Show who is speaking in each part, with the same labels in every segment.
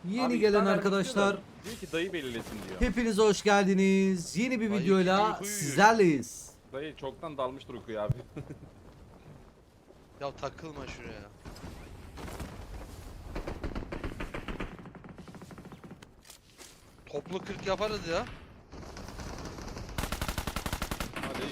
Speaker 1: Yeni
Speaker 2: Abi
Speaker 1: gelen
Speaker 2: iddia vermek
Speaker 1: arkadaşlar,
Speaker 2: istiyor da diyor ki dayı belirlesin diyor.
Speaker 1: hepinize hoş geldiniz. Yeni bir
Speaker 3: Ay,
Speaker 1: videoyla
Speaker 3: uykuyu yiyor.
Speaker 1: sizlerleyiz.
Speaker 2: Dayı çoktan dalmıştır uykuya abi.
Speaker 3: Ya takılma şuraya. Toplu 40 yaparız ya.
Speaker 2: Hadi.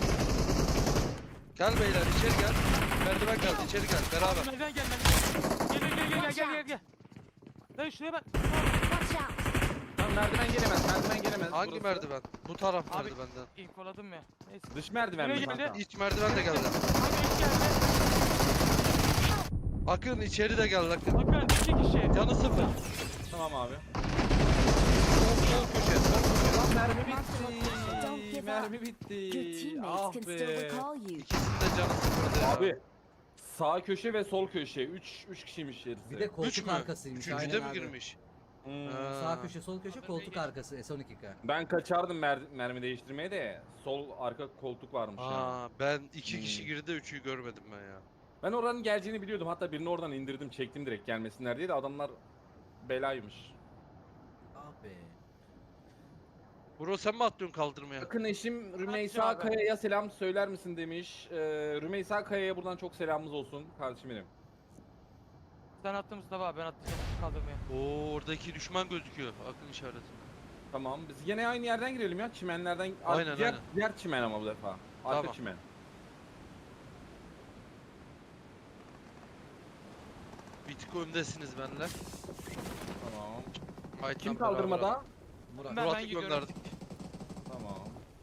Speaker 3: Gel beyler içeri gel. Merdiven geldi içeri gel beraber.
Speaker 4: Merdiven gel merdiven. Gel. Dayı şuraya bak.
Speaker 5: Watch out!
Speaker 2: Lan merdiven gelemez.
Speaker 3: Hangi
Speaker 2: Burası.
Speaker 3: merdiven? Bu taraf
Speaker 4: Abi-
Speaker 3: merdivenden.
Speaker 4: İnkoladım ya. Neyse.
Speaker 2: Dış merdiven mi
Speaker 4: Buraya
Speaker 2: kanka?
Speaker 4: geldi.
Speaker 3: İç merdiven de geldi.
Speaker 4: Abi ilk geldi.
Speaker 3: Akın içeri de gel Akın.
Speaker 4: Bakın 2 kişi.
Speaker 3: Canı sıfır.
Speaker 2: Tamam abi.
Speaker 3: Sol köşe sol köşe.
Speaker 2: Lan mermi
Speaker 5: Don't give
Speaker 2: bitti.
Speaker 5: up.
Speaker 2: Mermi
Speaker 5: Your
Speaker 2: bitti.
Speaker 5: teammates
Speaker 2: Ah
Speaker 5: can still
Speaker 2: be.
Speaker 5: recall you.
Speaker 3: İkisinin de canı sıfırdı ya.
Speaker 2: Abi sağ köşe ve sol köşe 3 kişiymiş herisi.
Speaker 1: Bir de
Speaker 3: Üç
Speaker 1: koltuk
Speaker 3: mü?
Speaker 1: arkasıymış.
Speaker 3: Üçüncüde
Speaker 1: aynen
Speaker 3: mi
Speaker 1: abi.
Speaker 3: girmiş?
Speaker 2: Hmm.
Speaker 3: Ha.
Speaker 1: Sağ köşe, sol köşe, koltuk arkası S12K.
Speaker 2: Ben kaçardım mermi değiştirmeye de sol arka koltuk varmış ya.
Speaker 3: Aa ben iki kişi
Speaker 2: Hmm.
Speaker 3: girdi üçüyü görmedim ben ya.
Speaker 2: Ben oranın geleceğini biliyordum. Hatta birini oradan indirdim, çektim direkt gelmesinler diye de adamlar belaymış.
Speaker 1: Abi.
Speaker 3: Bro sen mi atlıyorsun kaldırmaya?
Speaker 2: Bakın eşim Rümeysa
Speaker 4: Atacağım abi.
Speaker 2: Kaya'ya selam söyler misin demiş. Rümeysa Kaya'ya buradan çok selamımız olsun kardeşim benim.
Speaker 4: Sen attın Mustafa abi ben atlayacağım kaldırmaya.
Speaker 3: Oo oradaki düşman gözüküyor. Akın işareti.
Speaker 2: Tamam biz yine aynı yerden girelim ya çimenlerden.
Speaker 3: Aynen,
Speaker 2: diğer,
Speaker 3: aynen.
Speaker 2: diğer çimen ama bu defa. Arka
Speaker 3: Tamam.
Speaker 2: çimen.
Speaker 3: Bir tık öndesiniz benimle.
Speaker 2: Tamam.
Speaker 3: Ayten
Speaker 2: Kim
Speaker 3: beraber
Speaker 2: kaldırmada?
Speaker 1: Murat.
Speaker 4: Ben
Speaker 3: Murat'ı
Speaker 4: gidiyorum.
Speaker 3: gönderdik.
Speaker 2: Tamam.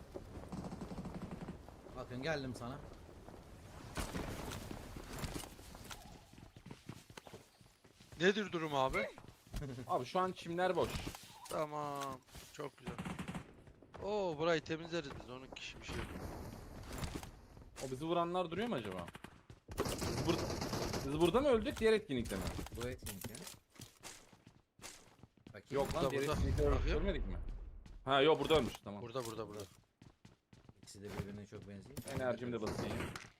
Speaker 1: Bakın geldim sana.
Speaker 3: Nedir durum abi?
Speaker 2: Abi şu an çimler boş.
Speaker 3: Tamam. Çok güzel. Oo burayı temizleriz biz 12 kişi bir şey yok.
Speaker 2: O bizi vuranlar duruyor mu acaba? Biz burada mı öldük diğer etkinlikte mi?
Speaker 1: Bu etkinlik ya. Bakayım.
Speaker 2: Yok lan
Speaker 3: Burada,
Speaker 2: diğer
Speaker 3: burada.
Speaker 2: etkinlikte
Speaker 3: Bakayım.
Speaker 2: ölmedik mi? Ha yok burada ölmüş tamam.
Speaker 3: Burada.
Speaker 1: İkisi de birbirine çok benziyor.
Speaker 2: Enerjimi de basayım.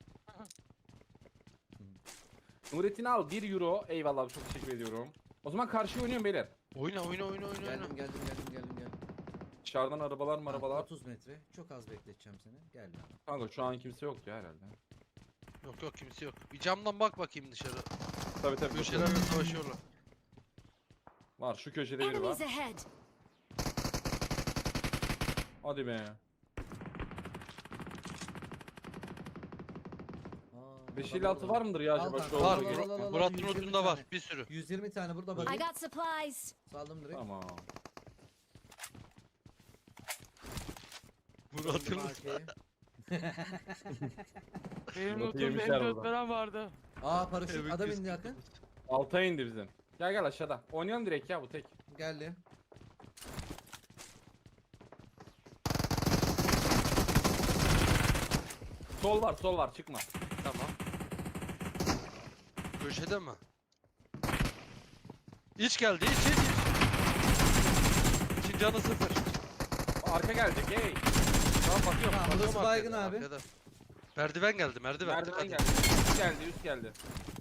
Speaker 2: Nurettin al 1 euro. Eyvallah abi, çok teşekkür ediyorum. O zaman karşıya oynuyorum beyler.
Speaker 3: Oyna.
Speaker 1: Geldim.
Speaker 2: Dışarıdan arabalar.
Speaker 1: 30 metre. Çok az bekleteceğim seni. Gel lan.
Speaker 2: Kanka şu an kimse yok ya herhalde.
Speaker 3: Yok kimse yok. Bir camdan bak bakayım dışarı.
Speaker 2: Tabii.
Speaker 3: Köşelerle savaşıyorlar.
Speaker 2: Var şu köşede biri var.
Speaker 5: Enemies ahead!
Speaker 2: Hadi be.
Speaker 1: Aa,
Speaker 2: 556 var mıdır ya
Speaker 1: Al
Speaker 2: acaba?
Speaker 1: kanka,
Speaker 2: Şu
Speaker 1: al,
Speaker 3: Var.
Speaker 2: olduğu
Speaker 1: al,
Speaker 2: gibi?
Speaker 1: al, al, al,
Speaker 3: Murat'ın
Speaker 1: 120
Speaker 3: odunda var
Speaker 1: tane.
Speaker 3: bir sürü.
Speaker 1: 120 tane burada
Speaker 5: I
Speaker 1: bakayım.
Speaker 5: got supplies!
Speaker 1: Saldım direkt.
Speaker 2: Tamam.
Speaker 3: Murat'ın
Speaker 1: Arkaya.
Speaker 4: Benim
Speaker 2: Murat'ı
Speaker 4: notumda
Speaker 2: yemişler
Speaker 4: M4
Speaker 2: buradan.
Speaker 4: falan vardı.
Speaker 1: Aa paraşüt
Speaker 3: Evet,
Speaker 1: adam
Speaker 3: kesin.
Speaker 1: indi yakın.
Speaker 2: Alta indi bizim. Gel aşağıda. Oynayalım direkt ya bu tek.
Speaker 1: Geldi.
Speaker 2: Sol var çıkma.
Speaker 3: Tamam. Köşede mi? İç geldi iç. İçin canı sıfır.
Speaker 2: Arka gelecek hey.
Speaker 3: Tamam bakıyorum.
Speaker 1: Tamam,
Speaker 3: bakıyorum
Speaker 1: burası baygın
Speaker 3: arkada,
Speaker 1: abi.
Speaker 3: arkada. Merdiven geldi merdiven.
Speaker 2: Merdiven
Speaker 3: Hadi.
Speaker 2: geldi. Üst geldi.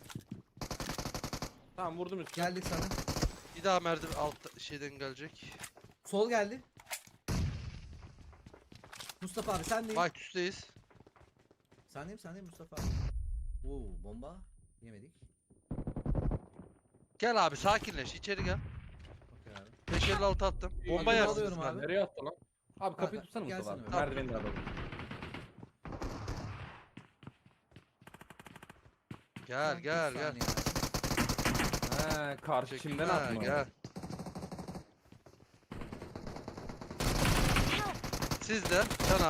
Speaker 2: Tamam vurdum üstüne.
Speaker 1: Geldik sana.
Speaker 3: Bir daha merdiven alt şeyden gelecek.
Speaker 1: Sol geldi. Mustafa abi sen değil.
Speaker 3: Bak üstteyiz.
Speaker 1: Sen değil Mustafa abi. Oo bomba. Yemedik.
Speaker 3: Gel abi sakinleş içeri gel.
Speaker 1: Okey abi.
Speaker 3: 556 attım. Bomba
Speaker 1: Bakın
Speaker 3: yersin.
Speaker 1: alıyorum
Speaker 3: sen.
Speaker 1: abi.
Speaker 2: Nereye attı lan? Abi kapıyı
Speaker 1: Kanka,
Speaker 2: tutsana Mustafa abi.
Speaker 1: gelsene.
Speaker 2: Merdiveni de alalım.
Speaker 3: Gel
Speaker 1: Son
Speaker 3: gel
Speaker 1: 40
Speaker 3: gel.
Speaker 1: saniye abi.
Speaker 2: He karşı kimden
Speaker 3: Ha,
Speaker 2: attın
Speaker 3: gel.
Speaker 2: onu?
Speaker 3: Siz de Canan.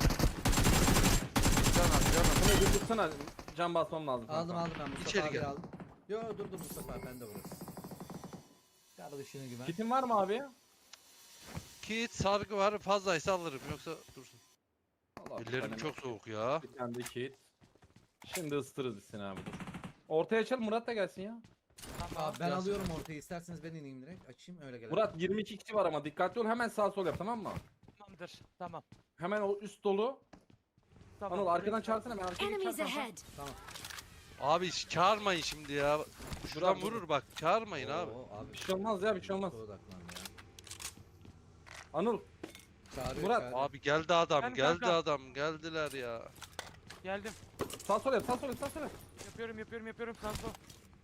Speaker 3: Canan.
Speaker 2: Bunu bir tutsana. Can basmam lazım.
Speaker 1: Aldım ben Mustafa
Speaker 3: İçeri
Speaker 1: abi
Speaker 3: gel.
Speaker 1: aldım. Yo dur Mustafa abi ben de burası. Kardeşine güven.
Speaker 2: Kitin var mı abi?
Speaker 3: Kit sargı var fazlaysa alırım yoksa dursun.
Speaker 2: Allah
Speaker 3: Ellerim
Speaker 2: Allah.
Speaker 3: çok soğuk ya.
Speaker 2: Bir tane de kit. Şimdi ısıtırız biz seni abi dur. Ortaya açalım Murat da gelsin ya.
Speaker 4: Tamam.
Speaker 1: Abi ben
Speaker 3: Gelsin.
Speaker 1: alıyorum ortaya isterseniz ben ineyim direkt açayım öyle gelelim.
Speaker 2: Murat 22 kişi var ama dikkatli ol hemen sağ sol yap tamam mı?
Speaker 4: Tamamdır. Tamam.
Speaker 2: Hemen o üst dolu.
Speaker 4: Tamam.
Speaker 2: Anıl arkadan çağırsana ben arkaya
Speaker 5: Enemies
Speaker 2: çağırsam.
Speaker 5: ahead!
Speaker 1: Tamam.
Speaker 3: Abi hiç çağırmayın şimdi ya. Şuradan
Speaker 2: dur.
Speaker 3: vurur bak. Çağırmayın abi.
Speaker 1: Oo, abi.
Speaker 2: Bir şey olmaz ya, bir şey olmaz.
Speaker 1: Odaklan ya.
Speaker 2: Anıl.
Speaker 1: Çağırıyor,
Speaker 2: Murat,
Speaker 1: çağırıyor.
Speaker 3: Abi geldi adam,
Speaker 4: Ben
Speaker 3: geldi
Speaker 4: kanka.
Speaker 3: adam. Geldiler ya.
Speaker 4: Geldim.
Speaker 2: Sağ sol yap, sağ sol yap, sağ sol yap.
Speaker 4: Yapıyorum sağ sol.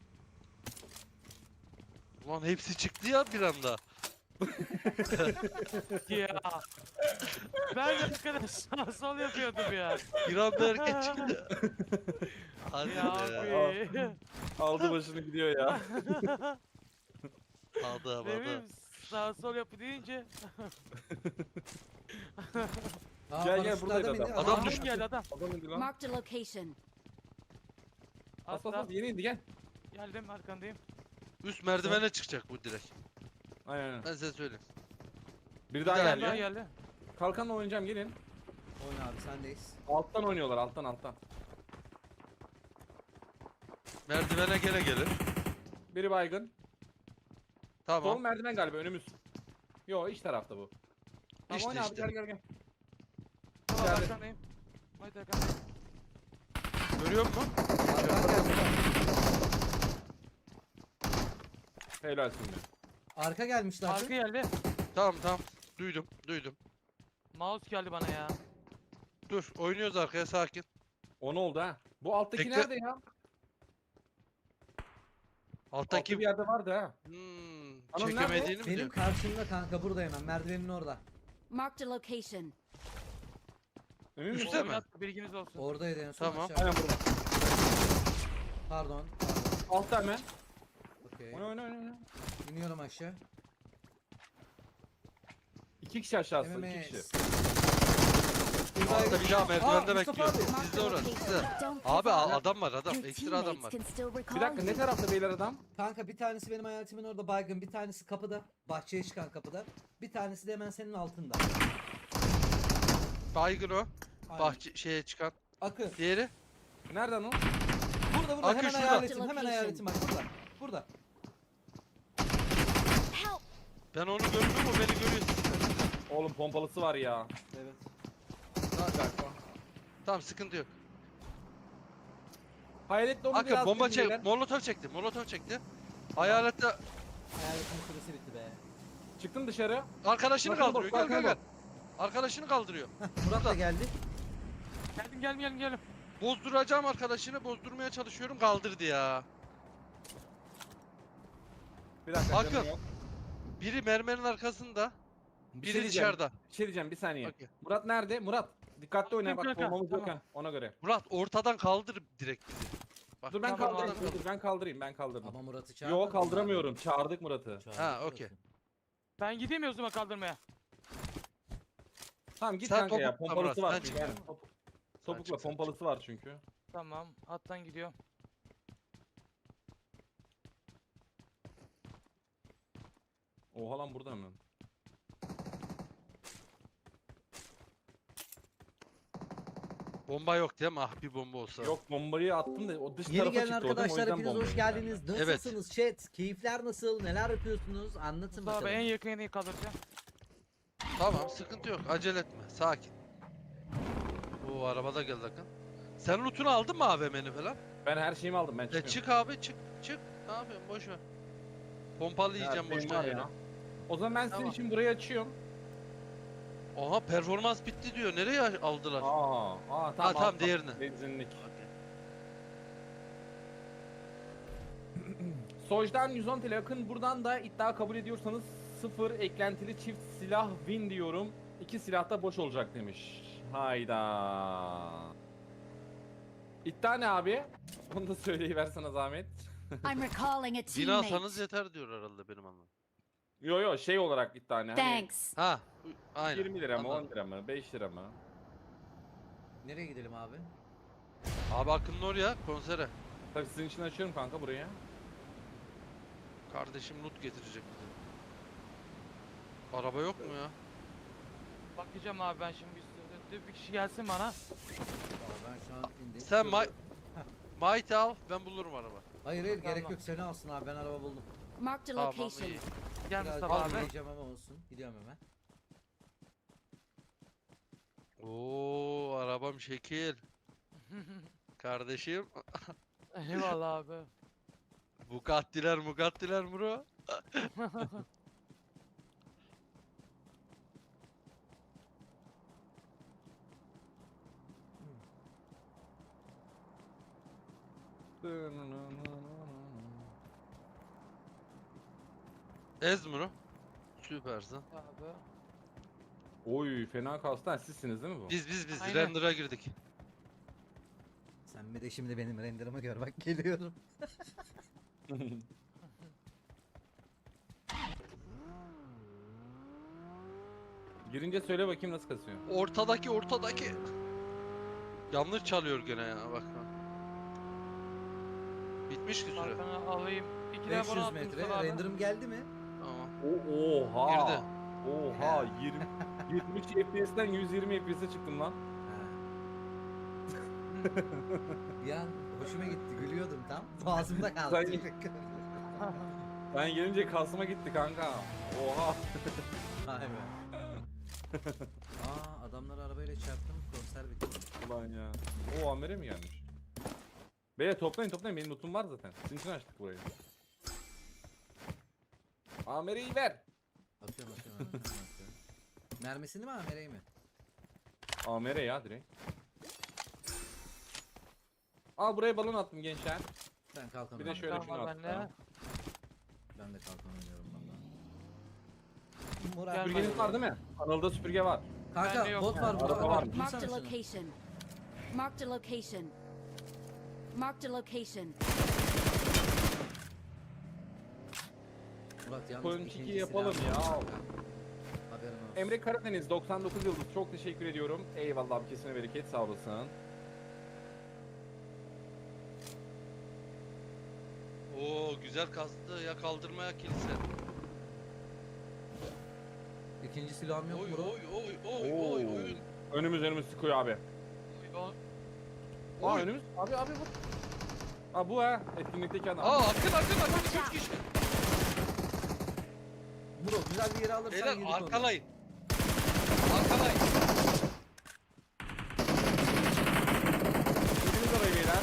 Speaker 3: Ulan hepsi çıktı ya bir anda.
Speaker 4: Ya. Ben de arkadaş sağ sol yapıyordum ya.
Speaker 3: Bir anda herkes çıktı. Hadi
Speaker 4: Ya
Speaker 3: be.
Speaker 4: abi.
Speaker 2: Aldı başını gidiyor ya.
Speaker 3: Adam
Speaker 4: Ne
Speaker 3: adam.
Speaker 4: bileyim sağ sol yapı deyince.
Speaker 1: Aa,
Speaker 2: Gel,
Speaker 1: paraşütlerden
Speaker 2: buradaydı
Speaker 1: indi.
Speaker 2: adam.
Speaker 3: Adam
Speaker 4: Adam
Speaker 3: düştü.
Speaker 4: geldi adam.
Speaker 2: Adam indi lan.
Speaker 5: Marked a location.
Speaker 2: Bas bas
Speaker 4: Atla.
Speaker 2: bas, yeni indi gel.
Speaker 4: Geldim arkandayım.
Speaker 3: Üst merdivene çıkacak bu direkt.
Speaker 2: Aynen aynen.
Speaker 3: Ben size söyleyeyim.
Speaker 2: Bir daha
Speaker 3: daha
Speaker 4: Daha
Speaker 2: geliyor.
Speaker 4: geldi.
Speaker 2: Kalkanla oynayacağım, gelin.
Speaker 1: Oyna abi, sendeyiz.
Speaker 2: Alttan oynuyorlar, alttan alttan.
Speaker 3: Merdivene gene gelir.
Speaker 2: Biri baygın. Sol
Speaker 3: Tamam.
Speaker 2: merdiven galiba, önümüz. Yo, iç tarafta bu. Tamam,
Speaker 3: İşte,
Speaker 2: oyna abi,
Speaker 3: işte.
Speaker 2: gel gel gel.
Speaker 4: Tamam
Speaker 2: Geldi.
Speaker 4: arkandayım. Haydi arkandayım.
Speaker 3: Görüyor musun?
Speaker 1: Arkan gelmiş.
Speaker 2: Helalsin be.
Speaker 1: Arka gelmişler.
Speaker 4: Arka geldi.
Speaker 3: Tamam tamam. Duydum, duydum.
Speaker 4: Mouse geldi bana ya.
Speaker 3: Dur, oynuyoruz arkaya sakin.
Speaker 2: O ne oldu ha? Bu alttaki
Speaker 3: Bekle.
Speaker 2: nerede ya?
Speaker 3: Alttaki
Speaker 2: Altta bir yerde vardı ha. Anam
Speaker 3: çekemediğini mi
Speaker 1: Benim
Speaker 3: diyor?
Speaker 1: karşımda kanka, burada hemen merdivenin orada.
Speaker 5: Marked a location.
Speaker 2: Emin
Speaker 3: Üstte
Speaker 2: misin?
Speaker 3: mi?
Speaker 4: Oynat, bilginiz olsun.
Speaker 1: Oradaydı en son.
Speaker 3: Tamam.
Speaker 1: aşağı.
Speaker 2: Aynen burada.
Speaker 1: Pardon.
Speaker 2: Altta hemen.
Speaker 1: Okey.
Speaker 2: Oyna oyna oyna.
Speaker 1: İniyorum aşağı.
Speaker 2: 2 kişi aşağısı, 2
Speaker 1: MMA.
Speaker 2: kişi.
Speaker 3: Altta bir daha merdivende
Speaker 1: Mustafa
Speaker 3: bekliyor.
Speaker 1: abi.
Speaker 3: Sizde orası, sizde.
Speaker 5: Don't
Speaker 3: Abi
Speaker 5: give up.
Speaker 3: adam var adam.
Speaker 5: Your
Speaker 3: Ekstra adam
Speaker 5: teammates
Speaker 3: var.
Speaker 5: can still recall
Speaker 2: Bir dakika, ne
Speaker 5: you.
Speaker 2: tarafta beyler adam?
Speaker 1: Kanka bir tanesi benim hayaletimin orada baygın, bir tanesi kapıda, bahçeye çıkan kapıda. Bir tanesi de hemen senin altında.
Speaker 3: Baygın o.
Speaker 1: Aynen.
Speaker 3: Bahçe şeye çıkan.
Speaker 1: Akın.
Speaker 3: Diğeri.
Speaker 2: Nereden o?
Speaker 1: Burada
Speaker 3: Akın
Speaker 1: hemen
Speaker 3: şurada.
Speaker 1: hayaletim, hemen hayaletim bak burada. Burada.
Speaker 5: Help!
Speaker 3: Ben onu görmüyorum o beni görüyor.
Speaker 2: Oğlum pompalısı var ya.
Speaker 1: Evet.
Speaker 3: Tamam sıkıntı yok.
Speaker 2: Hayalet onu
Speaker 3: Akın
Speaker 2: biraz
Speaker 3: bomba
Speaker 2: dinleyelim.
Speaker 3: çek. Molotov çekti. Molotov çekti. Hayalette
Speaker 1: Hayaletimin süresi bitti be.
Speaker 2: Çıktım dışarı.
Speaker 3: arkadaşını
Speaker 2: Bakın
Speaker 3: kaldırıyor.
Speaker 2: bak,
Speaker 3: Gel gel
Speaker 2: bakın
Speaker 3: gel. Arkadaşını kaldırıyor.
Speaker 1: Murat da geldi.
Speaker 4: Geldim.
Speaker 3: Bozduracağım arkadaşını. Bozdurmaya çalışıyorum. Kaldırdı ya.
Speaker 2: Bir dakika.
Speaker 3: Akın.
Speaker 2: canım yok.
Speaker 3: Biri mermerin arkasında.
Speaker 2: Bir
Speaker 3: Biri
Speaker 2: şey diyeceğim,
Speaker 3: dışarıda.
Speaker 2: Bir şey diyeceğim, bir saniye.
Speaker 3: Okey.
Speaker 2: Murat nerede? Murat. Dikkatli oyna bak,
Speaker 4: kanka,
Speaker 2: bombamız yok
Speaker 4: tamam.
Speaker 2: ha. Ona göre.
Speaker 3: Murat ortadan kaldır direkt bizi. Bak,
Speaker 2: Dur ben
Speaker 4: Tamam,
Speaker 2: kaldırayım.
Speaker 3: adam-
Speaker 2: Dur, ben kaldırayım. Ben kaldırdım.
Speaker 1: Ama Murat'ı çağırmadın.
Speaker 2: Yok, kaldıramıyorum. Çağırdık Murat'ı.
Speaker 3: Ha, okey.
Speaker 4: Ben gideyim ya o zaman kaldırmaya.
Speaker 2: Tamam git
Speaker 3: Sen
Speaker 2: kanka ya.
Speaker 3: topukla
Speaker 2: Pompalısı
Speaker 3: Murat,
Speaker 2: var
Speaker 3: sen
Speaker 2: çünkü.
Speaker 3: çık.
Speaker 2: Yani. Topukla
Speaker 3: çık, sen
Speaker 2: pompalısı var çünkü.
Speaker 4: Tamam attan gidiyor.
Speaker 2: Oha lan, burada mı?
Speaker 3: Bomba yok değil mi? Ah bir bomba olsa.
Speaker 2: Yok, bombayı attım da o dış
Speaker 1: Yeni
Speaker 2: tarafa
Speaker 1: gelen
Speaker 2: çıktı o değil mi? O
Speaker 1: arkadaşlar
Speaker 2: yüzden
Speaker 1: hepiniz
Speaker 2: bomba
Speaker 1: hoş
Speaker 2: yedim ben
Speaker 1: geldiniz.
Speaker 2: de.
Speaker 3: Evet.
Speaker 1: Nasılsınız chat? Keyifler nasıl? Neler yapıyorsunuz? Anlatın
Speaker 4: Mustafa abi en
Speaker 1: bakalım.
Speaker 4: yakın yeri kaldıracağım.
Speaker 3: Tamam sıkıntı yok. Acele etme. Sakin. Oo arabada geldi Akın. Sen lootunu aldın mı AVM'ni falan?
Speaker 2: Ben her şeyimi aldım, ben çıkıyorum.
Speaker 3: Çık abi çık. Çık. Ne yapıyorsun boş ver. Pompalı yiyeceğim
Speaker 2: benim
Speaker 3: boşuna
Speaker 2: var
Speaker 3: ya.
Speaker 2: O zaman ben sizin
Speaker 3: Tamam.
Speaker 2: için burayı açıyorum.
Speaker 3: Oha performans bitti diyor. Nereye aldılar?
Speaker 2: Tamam
Speaker 3: tamam,
Speaker 2: aldım.
Speaker 3: diğerini.
Speaker 2: Benzinlik.
Speaker 3: Okey.
Speaker 2: Soj'dan 110 TL yakın. Buradan da iddia kabul ediyorsanız 0 eklentili çift silah win diyorum. 2 silah da boş olacak demiş. Hayda. İddia ne abi? Onu da söyleyiversene zahmet.
Speaker 5: I'm recalling a
Speaker 3: Bin alsanız
Speaker 5: teammate.
Speaker 3: yeter diyor herhalde benim anladığım.
Speaker 2: Yo şey olarak iddia ne? Hani
Speaker 5: Thanks.
Speaker 3: Ha. Aynen.
Speaker 2: 20 lira mı,
Speaker 3: Anladım.
Speaker 2: 10 lira mı, 5 lira mı?
Speaker 1: Nereye gidelim abi?
Speaker 3: Abi Akın'ın oraya konsere.
Speaker 2: Tabii sizin için açıyorum kanka burayı.
Speaker 3: Kardeşim loot getirecek bize. Araba yok mu ya?
Speaker 4: Bakacağım abi ben şimdi bir kişi gelsin bana.
Speaker 1: Aa, ben şu an indim.
Speaker 3: Sen Might al ben bulurum araba.
Speaker 1: Hayır gerek
Speaker 4: Tamam.
Speaker 1: yok, seni alsın abi, ben araba buldum.
Speaker 5: Marked a
Speaker 3: Tamam
Speaker 5: location.
Speaker 3: iyi.
Speaker 4: Gel
Speaker 1: Biraz
Speaker 4: Mustafa abi.
Speaker 1: bekleyeceğim ama olsun. Gidiyorum hemen.
Speaker 3: Oo arabam şekil. Kardeşim.
Speaker 4: Eyvallah abi.
Speaker 3: Bugattiler bro. Ezmuro. Süpersin.
Speaker 4: Abi.
Speaker 2: Oy fena kastı. Ha, sizsiniz değil mi bu?
Speaker 3: Biz
Speaker 4: Aynen.
Speaker 3: render'a girdik.
Speaker 1: Sen bir de şimdi benim renderımı gör bak geliyorum.
Speaker 2: Girince söyle bakayım nasıl kasıyor.
Speaker 3: Ortadaki. Yanlış çalıyor gene ya bak. Bitmiş ki süre.
Speaker 4: Arkana alayım. 2
Speaker 1: 500
Speaker 4: bana
Speaker 1: metre.
Speaker 4: abi.
Speaker 1: Renderım geldi mi?
Speaker 3: Tamam.
Speaker 2: Oha.
Speaker 3: Girdi.
Speaker 2: Oha 70 FPS'ten 120 FPS'e çıktım lan.
Speaker 1: Bir an hoşuma gitti gülüyordum tam. Boğazımda kaldı.
Speaker 2: Ben gelince kasma gitti kanka. Oha.
Speaker 1: Vay be. Aa adamlar arabayla çarptım konser bitti.
Speaker 2: Ulan ya. O Amer'e mi gelmiş? Beyler toplayın benim lootum var zaten. Sizin için açtık burayı. Amer'i ver.
Speaker 1: Atıyorum. Mermisini mi Amere'yi mi?
Speaker 2: Amer'e ya direkt. Al buraya balon attım gençler.
Speaker 1: Ben kalkan
Speaker 2: Bir de
Speaker 1: oynuyorum.
Speaker 2: şöyle şunu
Speaker 4: Tamam,
Speaker 2: at.
Speaker 4: ben de.
Speaker 1: Ben de kalkan oynuyorum valla.
Speaker 4: Gel
Speaker 2: Süpürgeniz var değil mi? Kanalda süpürge var.
Speaker 1: Kanka
Speaker 4: Bende yok
Speaker 1: bot
Speaker 4: ya.
Speaker 1: var burada.
Speaker 2: Araba var.
Speaker 1: Bak,
Speaker 5: Marked a
Speaker 1: dursana şunu.
Speaker 5: location. Marked a location. Marked a location.
Speaker 1: Murat yalnız
Speaker 2: Koyun
Speaker 1: ikinci
Speaker 2: çiki yapalım
Speaker 1: silahım
Speaker 2: ya.
Speaker 1: var kanka. Haberin olsun.
Speaker 2: Emre Karadeniz 99 yıldız. Çok teşekkür ediyorum. Eyvallah abi kesine bereket sağ olasın.
Speaker 3: Oo güzel kastı ya kaldırmaya kilise.
Speaker 1: İkinci silahım yok
Speaker 3: Oy
Speaker 1: Murat.
Speaker 3: oy.
Speaker 2: Önümüz sıkıyor abi. Aa
Speaker 3: Oy.
Speaker 2: önümüz. Abi bu. Aa bu ha. Etkinlikteki adam.
Speaker 3: Aa akın 3 kişi.
Speaker 1: Murat güzel bir yere alırsan
Speaker 3: Beyler
Speaker 1: yedik onu.
Speaker 3: arkalayın.
Speaker 2: Önümüz orayı beyler.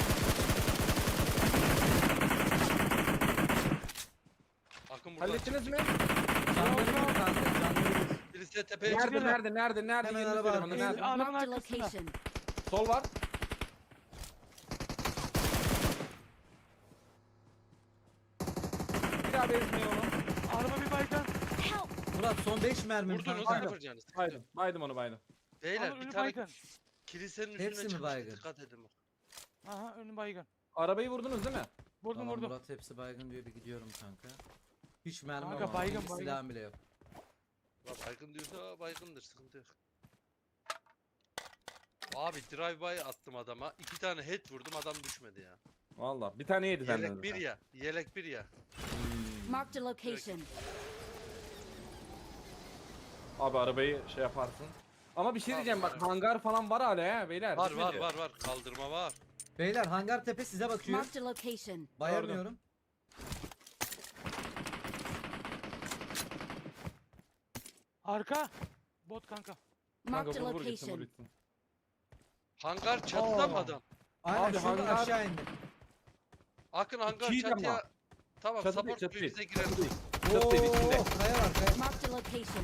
Speaker 3: Akın buradan
Speaker 2: Hallettiniz mi?
Speaker 1: Canları bir kanka canları bir.
Speaker 3: Birisi tepeye çıktı.
Speaker 2: Nerede?
Speaker 1: Hemen
Speaker 2: Yerini
Speaker 1: araba
Speaker 2: söyle bana,
Speaker 1: arkasında.
Speaker 2: nerede?
Speaker 4: Arabanın
Speaker 5: Marked a
Speaker 4: arkasında.
Speaker 5: location.
Speaker 2: Sol var. Bir daha bezmiyor onu.
Speaker 4: Araba bir baygın.
Speaker 5: Help!
Speaker 1: Murat son 5 mermim
Speaker 3: Vurdunuz
Speaker 1: kanka.
Speaker 3: ne yapacaksınız?
Speaker 2: Baydım onu baydım.
Speaker 3: Beyler
Speaker 4: Alın,
Speaker 3: bir
Speaker 4: önü
Speaker 3: tane
Speaker 4: baygın.
Speaker 3: kilisenin
Speaker 1: Hepsi
Speaker 3: üstüne
Speaker 1: mi
Speaker 3: çıkmış
Speaker 1: baygın?
Speaker 3: dikkat edin bak.
Speaker 4: Aha önü baygın.
Speaker 2: Arabayı vurdunuz değil mi?
Speaker 4: Vurdum
Speaker 1: Tamam,
Speaker 4: vurdum.
Speaker 1: Murat hepsi baygın diyor bir gidiyorum kanka. Hiç mermi
Speaker 4: Kanka,
Speaker 1: ama
Speaker 4: baygın,
Speaker 1: hiç
Speaker 4: baygın.
Speaker 1: silahım bile yok.
Speaker 3: Baygın diyorsa baygındır sıkıntı yok. Abi drive by attım adama. 2 tane head vurdum adam düşmedi ya.
Speaker 2: Valla bir tane yedi senden.
Speaker 3: Yelek bir ya. Yelek bir ya.
Speaker 5: Marked a location.
Speaker 2: Abi arabayı şey yaparsın. Ama bir şey
Speaker 3: Abi,
Speaker 2: diyeceğim bak
Speaker 3: abi.
Speaker 2: hangar falan var hala he beyler.
Speaker 3: Var
Speaker 2: bitmedi.
Speaker 3: var. Kaldırma var.
Speaker 1: Beyler hangar tepe size bakıyor.
Speaker 5: Marked a location.
Speaker 1: Bayılmıyorum.
Speaker 4: Arka. Bot kanka.
Speaker 5: Marked a
Speaker 2: Kanka vur gitsin vur
Speaker 5: location.
Speaker 2: gitsin.
Speaker 3: Hangar çatıda mı
Speaker 1: Oo.
Speaker 3: adam?
Speaker 1: Aynen
Speaker 2: Abi
Speaker 1: şurada
Speaker 2: hangar-
Speaker 1: aşağı indi.
Speaker 3: Akın hangar
Speaker 2: İkiydi
Speaker 3: çatıya.
Speaker 2: ama.
Speaker 3: Tamam
Speaker 2: Çatı değil,
Speaker 3: support
Speaker 2: çatı değil.
Speaker 3: bize girer.
Speaker 2: Çatı değil.
Speaker 1: Oo,
Speaker 2: Çatı değil, içinde.
Speaker 1: kaya var kaya.
Speaker 5: Marked a location.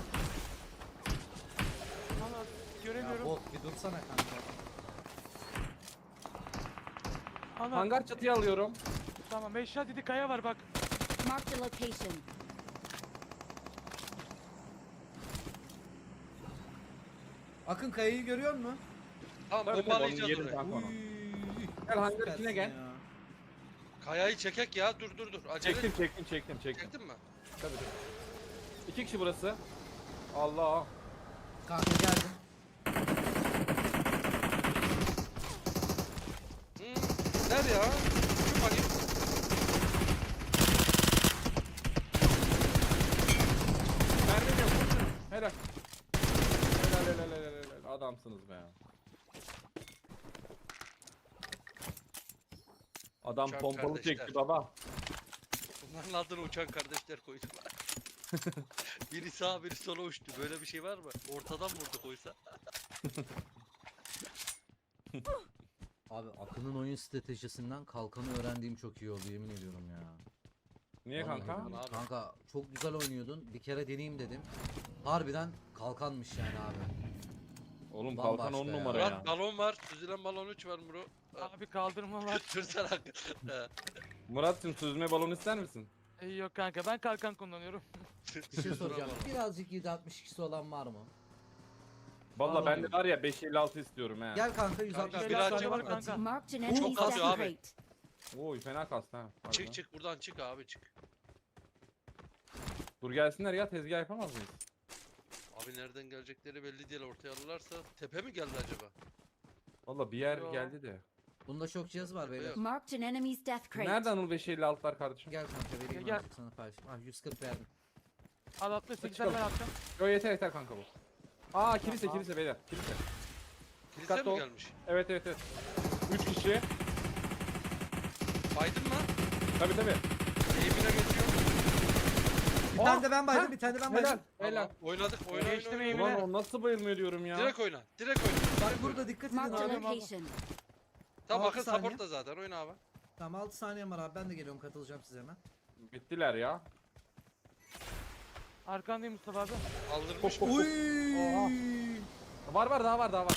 Speaker 4: Valla
Speaker 1: Ya
Speaker 4: göremiyorum.
Speaker 1: bot bir dursana kanka.
Speaker 4: Ana.
Speaker 2: Hangar çatıya alıyorum.
Speaker 4: Tamam eşya dedi kaya var bak.
Speaker 5: Marked a location.
Speaker 1: Akın kayayı görüyor musun?
Speaker 3: Tamam
Speaker 2: Tabii, tabii,
Speaker 3: bombalayacağız
Speaker 2: onu yedim
Speaker 3: orayı.
Speaker 2: kanka onu.
Speaker 1: Uy.
Speaker 2: Gel hangar
Speaker 1: Süpersin
Speaker 2: içine gel.
Speaker 1: ya.
Speaker 3: Kayayı çekek ya dur. Acele
Speaker 2: Çektim.
Speaker 3: çektin mi?
Speaker 2: Tabii. 2 kişi burası. Allah.
Speaker 1: Kanka geldim.
Speaker 3: Nerede ya? Şu bakayım.
Speaker 2: Mermim yok. vursun. Helal. Helal. Adamsınız be. Adam
Speaker 3: Uçan
Speaker 2: pompalı
Speaker 3: kardeşler.
Speaker 2: çekti baba.
Speaker 3: Bunların adını uçan kardeşler koydular. Biri sağa biri sola uçtu. Böyle bir şey var mı? Ortadan vurduk oysa.
Speaker 1: Abi Akın'ın oyun stratejisinden kalkanı öğrendiğim çok iyi oldu yemin ediyorum ya.
Speaker 2: Niye
Speaker 1: Vallahi
Speaker 2: kanka?
Speaker 1: billahi.
Speaker 3: Abi.
Speaker 1: Kanka çok güzel oynuyordun. Bir kere deneyeyim dedim. Harbiden kalkanmış yani abi.
Speaker 2: Oğlum
Speaker 1: Bambaşka
Speaker 2: kalkan 10
Speaker 1: ya.
Speaker 2: numara ya.
Speaker 3: Murat balon var. Süzülen balon 3 var Muro.
Speaker 4: Abi kaldırma var.
Speaker 3: Götürsene Akın. He.
Speaker 2: Murat'cığım süzme balon ister misin?
Speaker 4: Yok kanka ben kalkan kullanıyorum.
Speaker 1: Bir şey
Speaker 3: Süzülen
Speaker 1: soracağım.
Speaker 3: balon.
Speaker 1: Birazcık 7.62'si olan var mı?
Speaker 2: Valla
Speaker 1: Vallahi.
Speaker 2: bende var ya 556 istiyorum he.
Speaker 1: Gel kanka 160
Speaker 3: Kanka,
Speaker 4: biraz
Speaker 1: tane
Speaker 4: var
Speaker 1: var
Speaker 4: kanka.
Speaker 1: atayım.
Speaker 5: Marked an enemy's
Speaker 3: Çok
Speaker 5: death
Speaker 3: atıyor abi.
Speaker 5: crate.
Speaker 2: Oy fena kastı ha. Pardon.
Speaker 3: Çık çık buradan çık abi çık.
Speaker 2: Dur gelsinler ya tezgah yapamaz mıyız?
Speaker 3: Abi nereden gelecekleri belli değil ortaya alırlarsa. Tepe mi geldi acaba?
Speaker 2: Valla bir yer
Speaker 4: Yo.
Speaker 2: geldi de.
Speaker 1: Bunda çok cihaz var beyler.
Speaker 3: Yok.
Speaker 5: Marked an enemy's death crate.
Speaker 2: Nereden o 556'lar kardeşim?
Speaker 1: Gel kanka vereyim
Speaker 4: Gel.
Speaker 1: azıcık sana paylaşayım. Ah 140 verdim.
Speaker 4: Al atla 8
Speaker 2: çıkalım.
Speaker 4: ben attım.
Speaker 2: Yo yeter yeter kanka bu. Aa kilise
Speaker 4: Tamam.
Speaker 2: kilise beyler. Kilise.
Speaker 3: Kilise
Speaker 2: Dikkatli
Speaker 3: mi
Speaker 2: ol.
Speaker 3: gelmiş?
Speaker 2: Evet evet evet. 3 kişi.
Speaker 3: Baydın mı?
Speaker 2: Tabi tabi.
Speaker 3: Eğimine geçiyor.
Speaker 1: Bir tane de ben baydım, bir tane de ben
Speaker 2: Helal.
Speaker 1: baydım.
Speaker 2: Helal.
Speaker 3: Tamam, oynadık oyna
Speaker 4: Geçtim
Speaker 3: oyna.
Speaker 4: eğimine.
Speaker 2: Ulan o nasıl bayılmıyor diyorum ya.
Speaker 3: Direkt oyna. Direkt oyna.
Speaker 1: Bak burada dikkat edin
Speaker 5: Marked a
Speaker 1: abi.
Speaker 5: location.
Speaker 3: Tamam
Speaker 1: 6
Speaker 3: Akın
Speaker 1: saniye.
Speaker 3: support da zaten oyna abi.
Speaker 1: Tamam 6 saniyem var abi ben de geliyorum katılacağım size hemen.
Speaker 2: Bittiler ya.
Speaker 4: Arkandayım Mustafa abi.
Speaker 3: Aldırmış.
Speaker 2: Oha.
Speaker 1: Oy!
Speaker 2: Var var daha var daha var.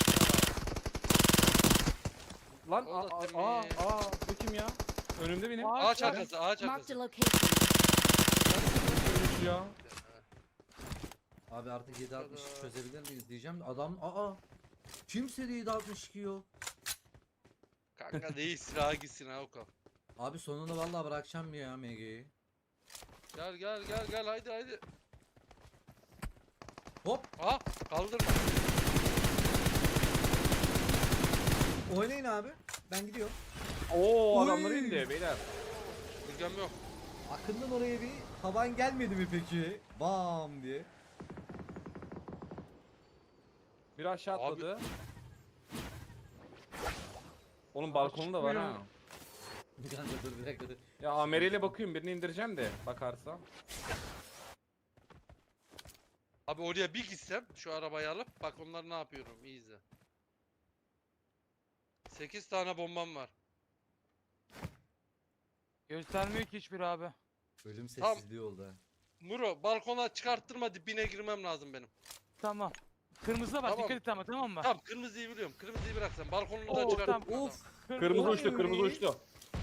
Speaker 2: Lan
Speaker 3: O da temiz.
Speaker 2: bu kim ya? Önümde benim.
Speaker 4: Aa,
Speaker 3: Ağaç
Speaker 4: var.
Speaker 3: arkası ağaç
Speaker 5: Marked a
Speaker 3: arkası.
Speaker 5: location.
Speaker 2: Ölmüş ya.
Speaker 1: Abi artık 7.62 çözebilir miyiz diyeceğim de adam kimse de 7.62 yok.
Speaker 3: Kanka değil silahı gitsin ha Okan.
Speaker 1: Abi sonunda vallahi bırakacağım ya MG'yi.
Speaker 3: Gel gel gel gel haydi haydi.
Speaker 1: Hop
Speaker 3: Aha kaldırma.
Speaker 1: oynayın abi. Ben gidiyorum.
Speaker 2: Oo
Speaker 1: Oy.
Speaker 2: adamlar indi beyler.
Speaker 3: Bilgem yok.
Speaker 1: Akından oraya bir havan gelmedi mi peki? Bam diye.
Speaker 2: Bir aşağı
Speaker 3: Abi.
Speaker 2: atladı. Onun balkonu da var ha.
Speaker 1: Bir dakika dur bir dakika dur.
Speaker 2: Ya Amere'yle bakıyorum birini indireceğim de bakarsam.
Speaker 3: Abi oraya bir gitsem şu arabayı alıp bak onlar ne yapıyorum iyi izle. 8 tane bombam var.
Speaker 4: Göstermiyor ki hiçbir abi.
Speaker 1: Ölüm
Speaker 3: Tam-
Speaker 1: sessizliği oldu ha.
Speaker 3: Muro balkona çıkarttırma dibine girmem lazım benim.
Speaker 4: Tamam. Kırmızıda bak
Speaker 3: Tamam.
Speaker 4: dikkat et ama tamam mı?
Speaker 3: Tamam kırmızıyı biliyorum. Kırmızıyı bırak sen. Balkonunu da
Speaker 4: Oo,
Speaker 3: çıkart.
Speaker 4: tamam.
Speaker 1: Of.
Speaker 2: Kırmızı
Speaker 1: Oy.
Speaker 2: uçtu kırmızı uçtu.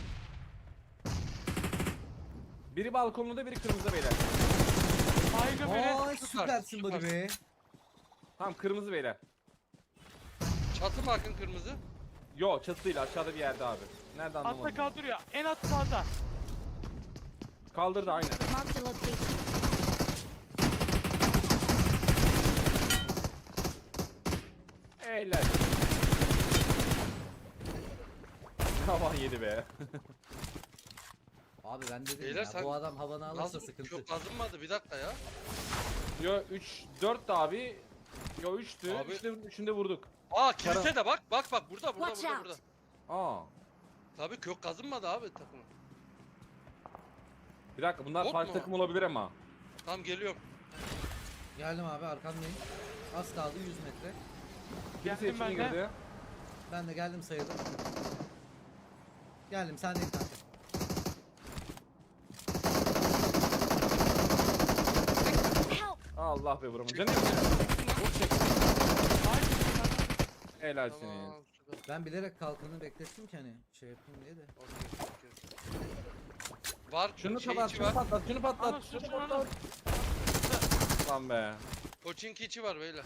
Speaker 2: Biri balkonunda biri kırmızı beyler.
Speaker 4: Baygın biri.
Speaker 1: Ay süpersin
Speaker 3: süper.
Speaker 1: buddy be.
Speaker 2: Tamam kırmızı beyler.
Speaker 3: Çatı mı Akın kırmızı?
Speaker 2: Yo çatı değil aşağıda bir yerde abi. Nerede
Speaker 4: Atla
Speaker 2: anlamadım.
Speaker 4: kaldırıyor. En alt sağda.
Speaker 2: Kaldırdı aynen.
Speaker 5: Marked a location.
Speaker 2: Helal. Hava yedi be.
Speaker 1: Abi ben dedim
Speaker 3: Beyler
Speaker 1: ya
Speaker 3: sen
Speaker 1: bu adam havanı alırsa
Speaker 3: Nasıl
Speaker 1: sıkıntı.
Speaker 3: çok kazınmadı bir dakika ya.
Speaker 2: Yo 3 4 de abi. Yo 3'tü.
Speaker 3: Abi-
Speaker 2: Üçünde vurduk.
Speaker 3: Aa kilise de bak bak burada
Speaker 5: Watch
Speaker 3: burada
Speaker 5: out.
Speaker 3: burada.
Speaker 2: Aa.
Speaker 3: Tabii kök kazınmadı abi takım.
Speaker 2: Bir dakika bunlar
Speaker 3: Bot
Speaker 2: farklı
Speaker 3: mu?
Speaker 2: takım olabilir ama.
Speaker 3: Tamam geliyorum.
Speaker 1: Geldim abi arkandayım. Az kaldı 100 metre.
Speaker 2: Kilise
Speaker 4: Geldim
Speaker 2: içine
Speaker 4: ben de.
Speaker 2: girdi.
Speaker 1: Ben de geldim sayılır. Geldim sen de kanka.
Speaker 5: Help!
Speaker 2: Allah be vuramın. Canım yok. Vur çek. Helal seni.
Speaker 3: Tamam süper.
Speaker 1: Ben bilerek kalkanı beklettim ki hani şey yapayım diye de.
Speaker 3: Okey, okey. Var
Speaker 2: Şunu
Speaker 3: şey
Speaker 2: patlat,
Speaker 3: içi
Speaker 2: şunu
Speaker 3: var.
Speaker 2: patlat, şunu
Speaker 4: Ana,
Speaker 2: patlat,
Speaker 4: şunu,
Speaker 2: şunu
Speaker 4: şunu,
Speaker 2: patlat. Lan be.
Speaker 3: Koçinki içi var beyler.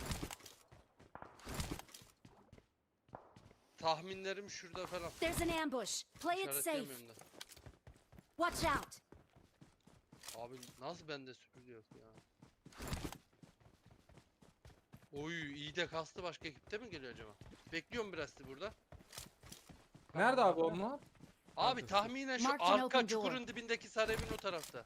Speaker 3: Tahminlerim şurada falan.
Speaker 5: There's an ambush. Play it safe.
Speaker 3: İşaretleyemiyorum da.
Speaker 5: Watch out!
Speaker 3: Abi nasıl bende süpürge yok ya. Oy iyi de kastı başka ekipte mi geliyor acaba? Bekliyorum biraz sizi burada.
Speaker 2: Nerede abi onlar?
Speaker 3: Abi tahminen şu
Speaker 5: Mark an
Speaker 3: arka
Speaker 5: open door.
Speaker 3: çukurun dibindeki sarı evin o tarafta.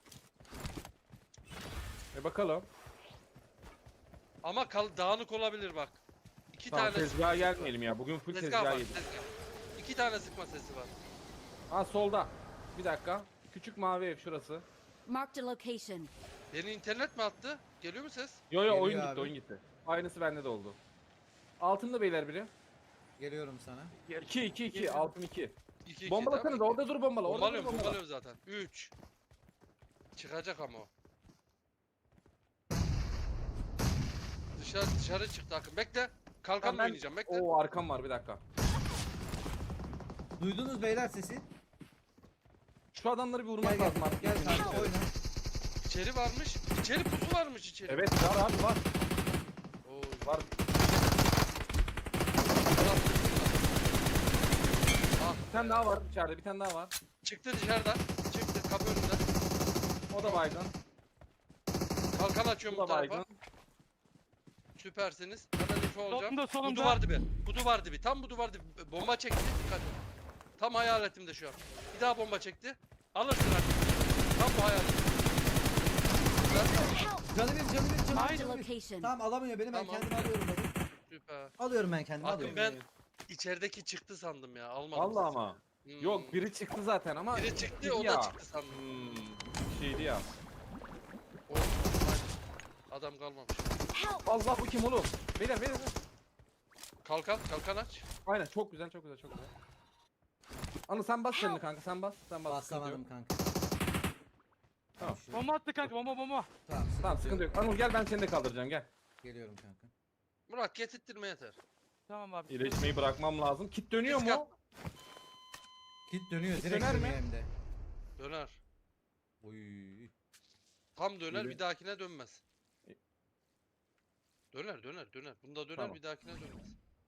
Speaker 2: Bakalım.
Speaker 3: Ama dağınık olabilir bak. İki
Speaker 2: Tamam
Speaker 3: tane
Speaker 2: tezgaha gelmeyelim ya. Bugün full
Speaker 3: tezgah
Speaker 2: tezgah
Speaker 3: var.
Speaker 2: yedik.
Speaker 3: Tezgah. İki tane sıkma sesi var.
Speaker 2: Ha solda. Bir dakika. Küçük mavi ev şurası.
Speaker 5: Marked a location.
Speaker 3: Beni internet mi attı? Geliyor mu ses?
Speaker 2: Yo yo
Speaker 1: Geliyor
Speaker 2: oyun gitti
Speaker 1: abi.
Speaker 2: oyun gitti. Aynısı bende de oldu. Altında beyler biri.
Speaker 1: Geliyorum sana.
Speaker 2: 2 altın 2.
Speaker 3: 2-2.
Speaker 2: Bombalasanız
Speaker 3: tamam.
Speaker 2: orada dur bombala. Orada dur
Speaker 3: Bombalıyorum
Speaker 2: bombala.
Speaker 3: bombalıyorum zaten. 3. Çıkacak ama o. Dışarı çıktı Akın. Bekle. Kalkanla
Speaker 2: Ben-
Speaker 3: oynayacağım. Bekle.
Speaker 2: Oo arkam var bir dakika.
Speaker 1: Duydunuz beyler sesi?
Speaker 2: Şu adamları bir
Speaker 1: Gel
Speaker 2: vurmak
Speaker 1: gel.
Speaker 2: lazım artık.
Speaker 1: Gel kanka oyna.
Speaker 3: İçeri varmış. İçeri pusu varmış içeri.
Speaker 2: Evet var abi var.
Speaker 3: Oo.
Speaker 2: Var.
Speaker 3: Ah,
Speaker 2: Bir tane daha var içeride bir tane daha var.
Speaker 3: çıktı dışarıdan. Çıktı kapı önünde.
Speaker 2: O da baygın.
Speaker 3: Kalkan açıyorum
Speaker 2: Bu
Speaker 3: bu
Speaker 2: da
Speaker 3: tarafa.
Speaker 2: baygın.
Speaker 3: Süpersiniz. Hemen info olacağım.
Speaker 4: Solumda,
Speaker 3: Bu
Speaker 4: solumda.
Speaker 3: duvar dibi. Bu duvar dibi. Tam bu duvar dibi. Bomba çekti. Dikkat et. Tam hayaletimde şu an. Bir daha bomba çekti. Alırsın artık. Tam bu hayalet.
Speaker 1: Canı bir canı bir canı bir.
Speaker 5: Marked a
Speaker 1: Canı bir.
Speaker 5: location.
Speaker 1: Tamam alamıyor beni ben
Speaker 3: Tamam.
Speaker 1: kendimi alıyorum hadi.
Speaker 3: Süper.
Speaker 1: Alıyorum ben kendimi
Speaker 3: Bakın
Speaker 1: alıyorum.
Speaker 3: ben içerideki çıktı sandım ya. Almadım.
Speaker 2: Vallahi
Speaker 3: sizi.
Speaker 2: ama.
Speaker 3: Hmm.
Speaker 2: Yok biri çıktı zaten ama.
Speaker 3: Biri çıktı
Speaker 2: gidi
Speaker 3: o
Speaker 2: ya.
Speaker 3: da çıktı sandım.
Speaker 2: Şeydi ya.
Speaker 3: O, aynen. Adam kalmamış.
Speaker 5: Help!
Speaker 2: Allah bu kim oğlum? Beyler.
Speaker 3: Kalkan aç.
Speaker 2: Aynen çok güzel çok güzel çok güzel. Anıl sen bas kendini kanka sen bas. Sen bas. sıkıntı yok.
Speaker 1: Baslamadım kanka.
Speaker 2: Tamam.
Speaker 4: Bomba attı kanka bomba.
Speaker 1: Tamam
Speaker 2: Tamam sıkıntı yok. Anıl gel ben seni de kaldıracağım gel.
Speaker 1: Geliyorum kanka.
Speaker 3: Murat getirttirme yeter.
Speaker 4: Tamam abi.
Speaker 2: İyileşmeyi bırakmam lazım. Kit dönüyor
Speaker 3: Biz
Speaker 2: mu?
Speaker 1: Kit dönüyor
Speaker 2: Kit
Speaker 1: direkt
Speaker 2: döner mi?
Speaker 1: dönüyor hem de.
Speaker 3: Döner.
Speaker 1: Oy.
Speaker 3: Tam döner
Speaker 2: Yürü.
Speaker 3: bir dahakine dönmez. Döner. Bunda döner
Speaker 2: Tamam.
Speaker 3: bir dahakine dönmez.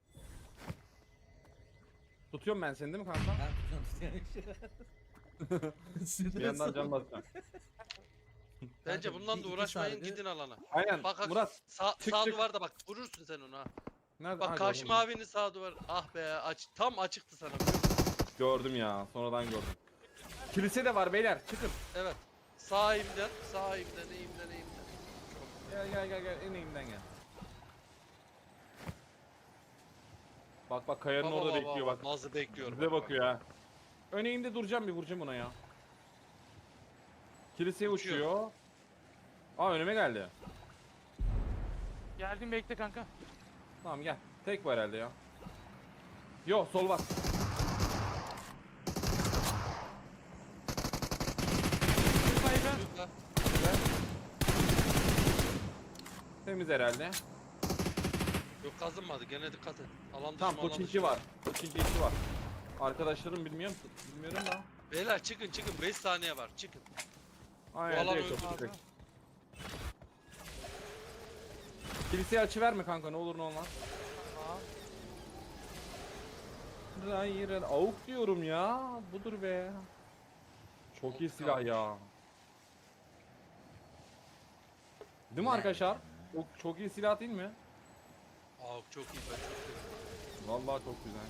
Speaker 2: Tutuyorum ben seni değil mi kanka?
Speaker 1: Ben tutuyorum.
Speaker 2: Bir yandan can basacağım.
Speaker 3: Bence
Speaker 1: Kanka,
Speaker 3: bundan da
Speaker 1: iki
Speaker 3: uğraşmayın
Speaker 1: sargı-
Speaker 3: gidin alana.
Speaker 2: Aynen.
Speaker 3: Bak
Speaker 2: Murat.
Speaker 3: sağ
Speaker 2: çık,
Speaker 3: sağ
Speaker 2: çık.
Speaker 3: duvarda bak vurursun sen onu ha.
Speaker 2: Nerede?
Speaker 3: Bak
Speaker 2: Ha,
Speaker 3: karşı
Speaker 2: gördüm.
Speaker 3: mavinin sağ duvar. Ah be tam açıktı sana. biliyor musun?
Speaker 2: Gördüm ya. Sonradan gördüm. Kilise de var beyler. Çıkın.
Speaker 3: Evet. Sağ eğimden eğimden.
Speaker 2: Gel. En iyimden gel. Bak kayanın orada bekliyor bak.
Speaker 3: Nazlı bekliyor.
Speaker 2: Bize bakıyor ha. Ön eğimde duracağım bir vuracağım ona ya. Kiliseye
Speaker 3: Uçuyor.
Speaker 2: uçuyor. Aa önüme geldi.
Speaker 4: Geldim bekle kanka.
Speaker 2: Tamam gel. Tek var herhalde ya. Yo sol var.
Speaker 4: Baygın.
Speaker 3: Süper.
Speaker 2: Temiz herhalde.
Speaker 3: Yok kazınmadı gene dikkat et. Alan dışı
Speaker 2: Tamam
Speaker 3: mı, alan
Speaker 2: Koçinki
Speaker 3: dışı mı?
Speaker 2: var. Koçinki işi var. Arkadaşlarım bilmiyorum da.
Speaker 3: Beyler çıkın 5 saniye var çıkın.
Speaker 2: Aynen
Speaker 3: alan
Speaker 2: direkt
Speaker 3: öldü.
Speaker 2: kapı tek. Kiliseye açı verme kanka ne olur ne olmaz.
Speaker 4: Tamam.
Speaker 2: Hayır, avuk diyorum ya. Budur be. Çok iyi silah ya. Değil mi
Speaker 1: Yani.
Speaker 2: arkadaşlar? Çok iyi silah değil mi?
Speaker 3: Aa çok iyi ben çok seviyorum.
Speaker 2: Vallahi çok güzel.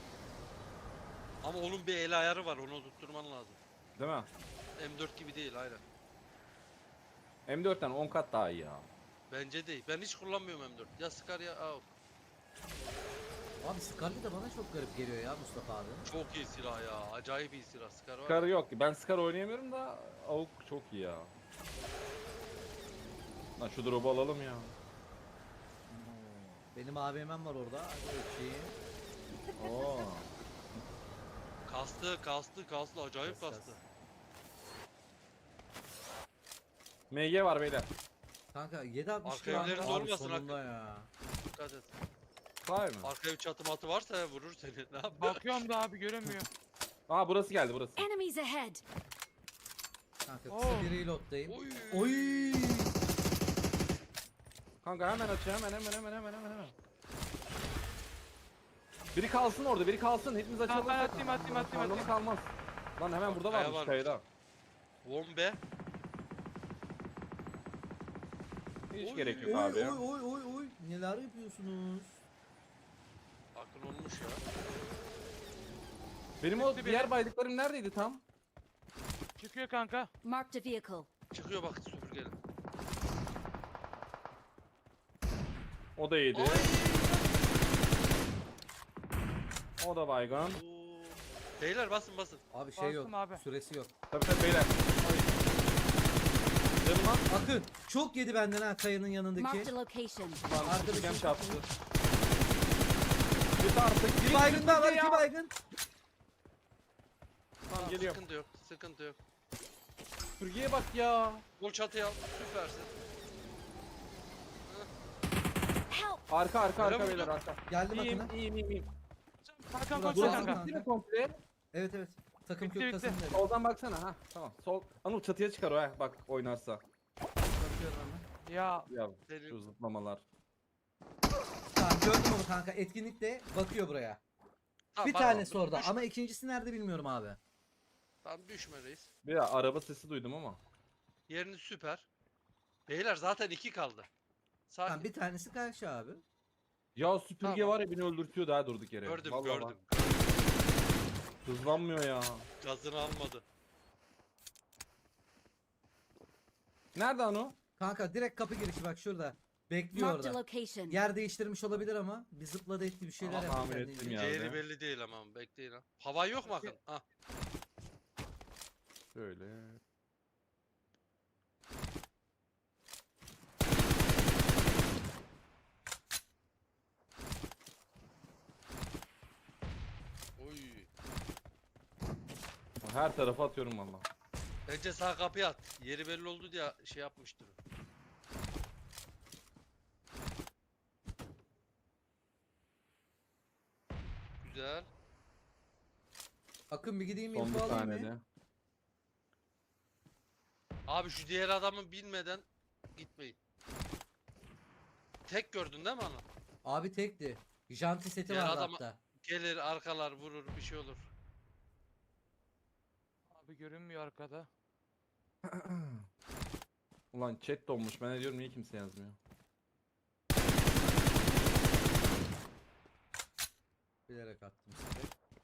Speaker 3: Ama onun bir el ayarı var onu tutturman lazım.
Speaker 2: Değil mi?
Speaker 3: M4 gibi değil aynen.
Speaker 2: M4'ten 10 kat daha iyi ya.
Speaker 3: Bence değil. Ben hiç kullanmıyorum M4. Ya Scar ya AUK.
Speaker 1: Abi Scarlet de bana çok garip geliyor ya Mustafa abi.
Speaker 3: Çok iyi silah ya. Acayip iyi silah. Scar var.
Speaker 2: Scar yok. Ben Scar oynayamıyorum da avuk çok iyi ya. Lan şu drop'u alalım ya.
Speaker 1: Benim AVM'm var orada. Hadi bakayım.
Speaker 2: Oo.
Speaker 3: Kastı. Acayip
Speaker 1: Kas,
Speaker 3: kastı.
Speaker 2: MG var beyler.
Speaker 1: Kanka 7.62
Speaker 3: Arka
Speaker 1: var.
Speaker 3: evleriniz
Speaker 1: Abi
Speaker 3: olmasın
Speaker 1: sonunda ya.
Speaker 3: Dikkat et.
Speaker 2: Sahi mi?
Speaker 3: Arka ev çatı matı varsa vurur seni. Ne yapıyor?
Speaker 4: Bakıyorum da abi göremiyor.
Speaker 2: Aa burası geldi burası.
Speaker 5: Enemies ahead!
Speaker 1: Kanka
Speaker 4: Oo.
Speaker 1: kısa bir reload'dayım.
Speaker 3: Oy.
Speaker 1: Oy.
Speaker 2: Kanka hemen açıyor hemen. Biri kalsın orada biri kalsın hepimiz açalım.
Speaker 4: Tamam, ben atayım.
Speaker 2: Karnımı kalmaz. Lan hemen burada
Speaker 3: Kaya
Speaker 2: varmış
Speaker 3: varmış.
Speaker 2: kayada.
Speaker 3: Bombe.
Speaker 2: Hiç
Speaker 3: Oy,
Speaker 2: gerek yok
Speaker 1: Oy
Speaker 2: abi ya.
Speaker 1: oy. Neler yapıyorsunuz?
Speaker 3: Akın olmuş ya.
Speaker 2: Benim o
Speaker 4: Bitti
Speaker 2: diğer
Speaker 4: benim.
Speaker 2: baydıklarım neredeydi tam?
Speaker 4: Çıkıyor kanka.
Speaker 5: Marked a vehicle.
Speaker 3: Çıkıyor bak süpürgenin.
Speaker 2: O da yedi.
Speaker 3: Ay.
Speaker 2: O da baygın.
Speaker 3: Oo. Beyler basın.
Speaker 1: Abi şey yok.
Speaker 4: Bastım abi.
Speaker 1: Süresi yok.
Speaker 2: Tabii beyler. Canım lan.
Speaker 1: Akın çok yedi benden ha kayanın yanındaki.
Speaker 5: Marked a location.
Speaker 2: Lan
Speaker 1: Arkadaşım
Speaker 2: arkadaşım çarptı. Git artık.
Speaker 1: Bir
Speaker 2: git,
Speaker 1: baygın daha var,
Speaker 2: ya.
Speaker 1: 2 baygın.
Speaker 2: Tamam geliyorum.
Speaker 3: Sıkıntı yok. Sıkıntı yok.
Speaker 2: Süpürgeye bak ya.
Speaker 3: Bul çatıya al. Süpersin.
Speaker 5: Help!
Speaker 2: Arka
Speaker 3: Öyle
Speaker 2: arka
Speaker 3: mi
Speaker 2: beyler
Speaker 3: vurdun?
Speaker 2: arka.
Speaker 1: Geldim
Speaker 2: İyiyim
Speaker 1: Akın'a.
Speaker 2: iyiyim.
Speaker 4: Hakan
Speaker 1: Burak,
Speaker 4: koşsana
Speaker 1: Burak,
Speaker 4: kanka.
Speaker 1: Burak.
Speaker 2: Bitti mi komple?
Speaker 1: Evet evet. Takım
Speaker 4: Bitti,
Speaker 1: kök
Speaker 4: bitti.
Speaker 1: tasını
Speaker 2: Soldan baksana ha. Tamam. Sol. Anıl çatıya çıkar o ha. Bak oynarsa.
Speaker 1: bakıyorum hemen.
Speaker 4: Ya
Speaker 2: Ya
Speaker 3: Senin-
Speaker 2: şu zıplamalar.
Speaker 1: Tamam gördüm onu kanka. Etkinlikle bakıyor buraya.
Speaker 3: Tamam,
Speaker 1: Bir
Speaker 3: bak,
Speaker 1: tanesi orada
Speaker 3: düşme.
Speaker 1: ama ikincisi nerede bilmiyorum abi.
Speaker 3: Tamam düşme reis.
Speaker 2: Bir de araba sesi duydum ama.
Speaker 3: Yerini süper. Beyler zaten 2 kaldı. Sakin.
Speaker 1: Tamam bir tanesi karşı abi.
Speaker 2: Ya süpürge
Speaker 3: Tamam.
Speaker 2: var ya beni öldürtüyor daha durduk yere.
Speaker 3: Gördüm
Speaker 2: Vallahi
Speaker 3: gördüm.
Speaker 2: bak, hızlanmıyor ya.
Speaker 3: Gazını almadı.
Speaker 2: Nerede Anu?
Speaker 1: Kanka direkt kapı girişi bak şurada. Bekliyor
Speaker 5: Marked a
Speaker 1: orada.
Speaker 5: location.
Speaker 1: Yer değiştirmiş olabilir ama bir zıpladı etti bir şeyler
Speaker 2: Ama
Speaker 1: yaptı
Speaker 2: tahmin
Speaker 1: kendince.
Speaker 2: ettim ya.
Speaker 3: Değeri
Speaker 2: Yerde.
Speaker 3: belli değil ama bekleyin ha. Hava yok mu Akın? Ha.
Speaker 2: Şöyle.
Speaker 3: Oy.
Speaker 2: Her tarafa atıyorum valla.
Speaker 3: Bence sağ kapıya at. Yeri belli oldu diye şey yapmıştır. o. Güzel.
Speaker 1: Akın bir gideyim
Speaker 2: Son bir
Speaker 1: info alayım
Speaker 2: tane
Speaker 1: mı?
Speaker 2: de.
Speaker 3: Abi şu diğer adamı bilmeden gitmeyin. Tek gördün değil mi ana?
Speaker 1: Abi tekti. Janti seti
Speaker 3: Diğer
Speaker 1: vardı
Speaker 3: adama-
Speaker 1: hatta.
Speaker 3: Gelir arkalar vurur bir şey olur.
Speaker 4: abi görünmüyor arkada.
Speaker 2: Ulan chat donmuş. Ben ne diyorum niye kimse yazmıyor?
Speaker 1: Bilerek attım size.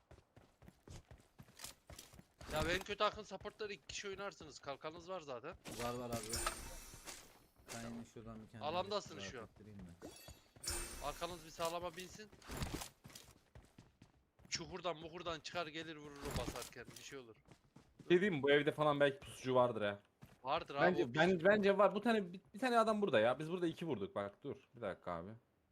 Speaker 3: Ya ben kötü akın supportları 2 kişi oynarsınız. Kalkanınız var zaten.
Speaker 1: Var var abi. Ben yine şuradan bir kendimi
Speaker 3: Alandasınız
Speaker 1: rahat
Speaker 3: şu an.
Speaker 1: ettireyim mi?
Speaker 3: Arkanız bir sağlama binsin. Çukurdan mukurdan çıkar gelir vurur o basarken bir şey olur.
Speaker 2: Şey diyeyim mi? Bu evde falan belki pusucu vardır ha.
Speaker 3: Vardır abi o
Speaker 2: Bence bence var. Bu tane bir tane adam burada ya. Biz burada 2 vurduk. Bak dur. Bir dakika abi.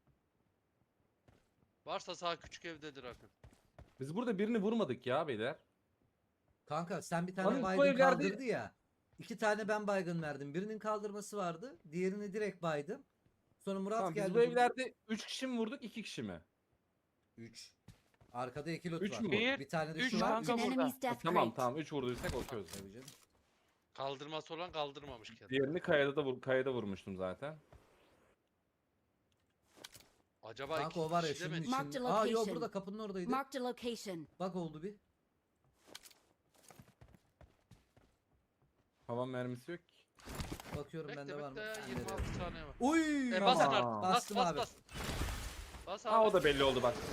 Speaker 3: varsa sağ küçük evdedir akın.
Speaker 2: Biz burada birini vurmadık ya beyler.
Speaker 1: Kanka sen bir tane
Speaker 2: Anıl, bu
Speaker 1: baygın
Speaker 2: evlerde-
Speaker 1: kaldırdı ya. 2 tane ben baygın verdim. Birinin kaldırması vardı. Diğerini direkt baydım. Sonra Murat
Speaker 2: Tamam,
Speaker 1: geldi.
Speaker 2: biz bu evlerde 3 kişi mi vurduk 2 kişi mi?
Speaker 1: 3. Arkada 2 loot
Speaker 2: Üç
Speaker 1: var.
Speaker 2: mü?
Speaker 1: Bir tane de
Speaker 4: Üç
Speaker 1: şu var.
Speaker 4: kanka.
Speaker 5: An
Speaker 4: burada.
Speaker 5: enemy's death
Speaker 2: Tamam
Speaker 5: crate.
Speaker 2: tamam 3 vurduysak okuyoruz.
Speaker 1: Tabii canım.
Speaker 3: Kaldırması olan kaldırmamış kendini.
Speaker 2: Diğerini kayada vurmuştum zaten.
Speaker 3: Acaba
Speaker 1: Kanka
Speaker 3: iki
Speaker 1: o var ya
Speaker 3: kişi
Speaker 1: şunun
Speaker 3: demedi.
Speaker 5: Mark the
Speaker 1: içinde. Aa yok
Speaker 5: location.
Speaker 1: burada kapının oradaydı.
Speaker 5: Marked a location.
Speaker 1: Bak oldu bir.
Speaker 2: Hava mermisi yok ki.
Speaker 1: Bakıyorum bende
Speaker 3: Bekle
Speaker 1: var mı?
Speaker 3: bekle ya
Speaker 1: Bende de
Speaker 3: 26
Speaker 1: yok.
Speaker 3: saniye var.
Speaker 1: Uy!
Speaker 3: Basın
Speaker 2: Tamam.
Speaker 3: artık. Bas
Speaker 1: Bastım
Speaker 3: bas
Speaker 1: abi.
Speaker 3: bas. Bas
Speaker 2: Aa
Speaker 3: abi.
Speaker 2: o da belli oldu bak.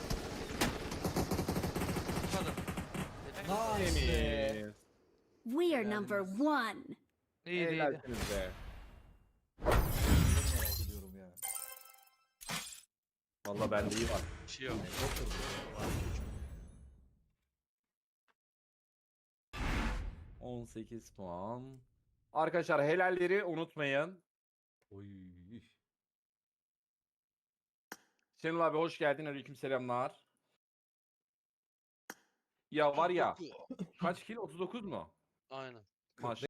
Speaker 3: Bu kadar.
Speaker 1: Nice be.
Speaker 2: Temiz.
Speaker 5: We are
Speaker 1: Geldiniz.
Speaker 5: number one.
Speaker 4: İyiydi iyiydi.
Speaker 2: Helalsiniz be.
Speaker 1: Merak ediyorum ya.
Speaker 2: Valla bende iyi var.
Speaker 3: Bir şey yok.
Speaker 1: Yoktur bu.
Speaker 2: 18 puan. Arkadaşlar helalleri unutmayın.
Speaker 1: Oy.
Speaker 2: Şenol abi hoş geldin. Aleykümselamlar. Ya var ya. Kaç kill? 39 mu?
Speaker 3: Aynen.
Speaker 2: Maşallah.